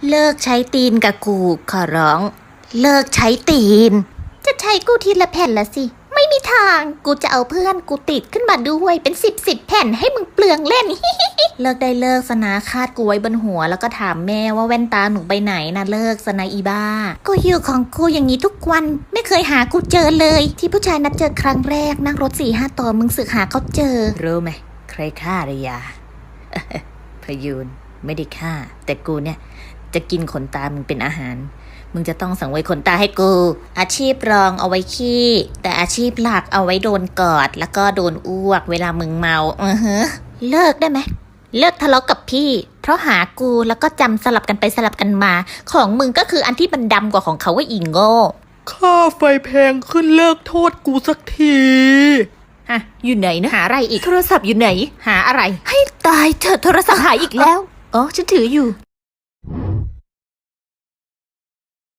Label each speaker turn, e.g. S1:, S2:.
S1: เลิกใช้ตีนกับกูขอร้องเลิกใช้ตีนจะใช้กูทีละแผ่นละสิไม่มีทางกูจะเอาเพื่อนกูติดขึ้นมาด้วยเป็นสิบแผ่นให้มึงเปลืองเล่น เลิกได้เลิกสนะคาดกูไว้บนหัวแล้วก็ถามแม่ว่าแว่นตาหนูไปไหนนะเลิกสนะอีบ้ากูอยู่ของกูอย่างนี้ทุกวันไม่เคยหากูเจอเลยที่ผู้ชายนัดเจอครั้งแรกนั่งรถ4-5ต่อมึงสึกหาเขาเจอรู้ไหมใครฆ่าระยา พยูนไม่ได้ฆ่าแต่กูเนี่ยจะกินขนตามึงเป็นอาหารมึงจะต้องสังเวยขนตาให้กูอาชีพรองเอาไว้ขี้แต่อาชีพหลักเอาไว้โดนกอดแล้วก็โดนอ้วกเวลามึงเมาเลิกได้ไหมเลิกทะเลาะกับพี่เพราะหากูแล้วก็จำสลับกันไปสลับกันมาของมึงก็คืออันที่มันดำกว่าของเขาว่าอีโง่
S2: ค่าไฟแพงขึ้นเลิกโทษกูสักที
S1: ฮะอยู่ไหนนะหาอะไรอีกโทรศัพท์อยู่ไหนหาอะไรให้ตายเถอะโทรศัพท์หายอีกแล้วอ๋อฉันถืออยู่